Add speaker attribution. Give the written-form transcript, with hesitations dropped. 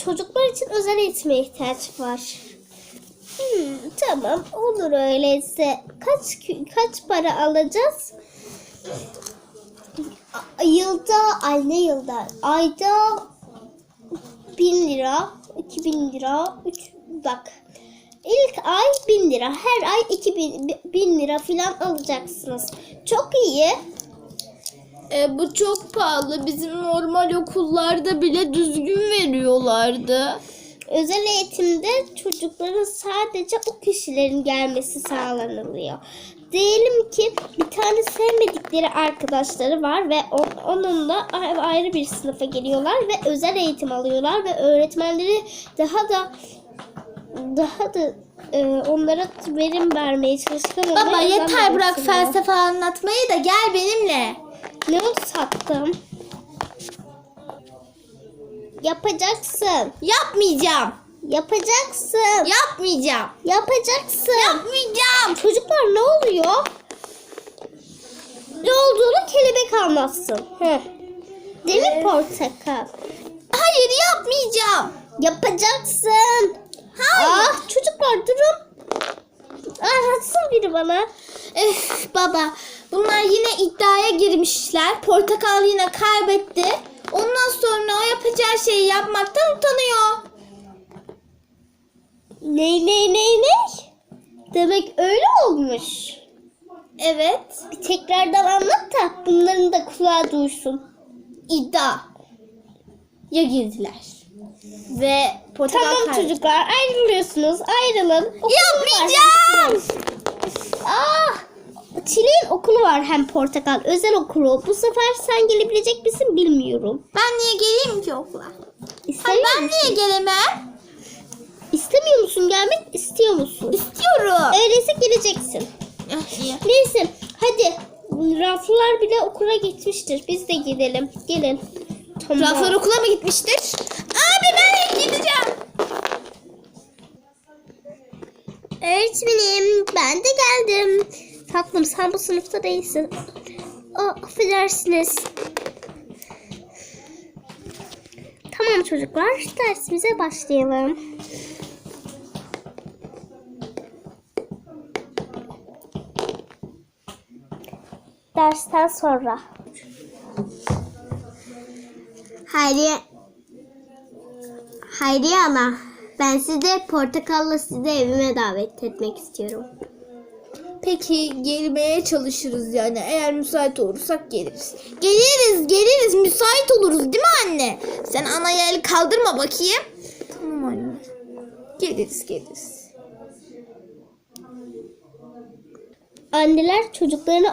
Speaker 1: çocuklar için özel eğitime ihtiyaç var. Tamam, olur öyleyse. Kaç para alacağız? Ayda 1000 lira, 2000 lira, bak. İlk ay 1000 lira, her ay 2000 lira falan alacaksınız. Çok iyi.
Speaker 2: Bu çok pahalı. Bizim normal okullarda bile düzgün veriyorlardı.
Speaker 1: Özel eğitimde çocukların sadece o kişilerin gelmesi sağlanılıyor. Diyelim ki bir tane sevmedikleri arkadaşları var ve onunla ayrı bir sınıfa geliyorlar ve özel eğitim alıyorlar ve öğretmenleri daha da onlara verim vermeye çalışkan.
Speaker 2: Baba yeter, bırak felsefe anlatmayı da gel benimle.
Speaker 1: Ne oldu sattım? Yapacaksın.
Speaker 2: Yapmayacağım.
Speaker 1: Yapacaksın.
Speaker 2: Yapmayacağım.
Speaker 1: Yapacaksın.
Speaker 2: Yapmayacağım.
Speaker 1: Çocuklar ne oluyor? Ne olduğunu kelebek anlatsın. Değil mi portakal?
Speaker 2: Hayır, yapmayacağım.
Speaker 1: Yapacaksın.
Speaker 2: Hayır.
Speaker 1: Çocuklar durun. Anlatsın biri bana.
Speaker 2: Baba, bunlar yine iddiaya girmişler. Portakal yine kaybetti. Ondan sonra o yapacağı şeyi yapmaktan utanıyor.
Speaker 1: Ne? Demek öyle olmuş.
Speaker 2: Evet.
Speaker 1: Bir tekrardan anlat da bunların da kulağı duysun.
Speaker 2: İddia. Ya girdiler. Ve portakal
Speaker 1: Tamam
Speaker 2: kaybetti.
Speaker 1: çocuklar, ayrılıyorsunuz. Ayrılın. Okulu
Speaker 2: Yapmayacağım.
Speaker 1: Çileğin okulu var, hem portakal. Özel okulu. Bu sefer sen gelebilecek misin bilmiyorum.
Speaker 2: Ben niye geleyim ki okula?
Speaker 1: İstemiyor
Speaker 2: Ben
Speaker 1: musun?
Speaker 2: niye gelemem?
Speaker 1: İstemiyor musun? Gelmek istiyor musun?
Speaker 2: İstiyorum.
Speaker 1: Öyleyse geleceksin.
Speaker 2: İyi.
Speaker 1: Neyse hadi. Raflar bile okula gitmiştir. Biz de gidelim. Gelin. Tamam.
Speaker 2: Raflar okula mı gitmiştir? Abi ben gideceğim.
Speaker 1: Öğretmenim, ben de geldim. Tatlım, sen bu sınıfta değilsin. Affedersiniz. Tamam çocuklar, dersimize başlayalım. Dersten sonra. Hayriye ana, ben sizi portakalla evime davet etmek istiyorum.
Speaker 2: Peki gelmeye çalışırız yani. Eğer müsait olursak geliriz. Geliriz. Müsait oluruz değil mi anne? Sen anaya el kaldırma bakayım. Tamam anne. Geliriz.
Speaker 1: Anneler çocuklarını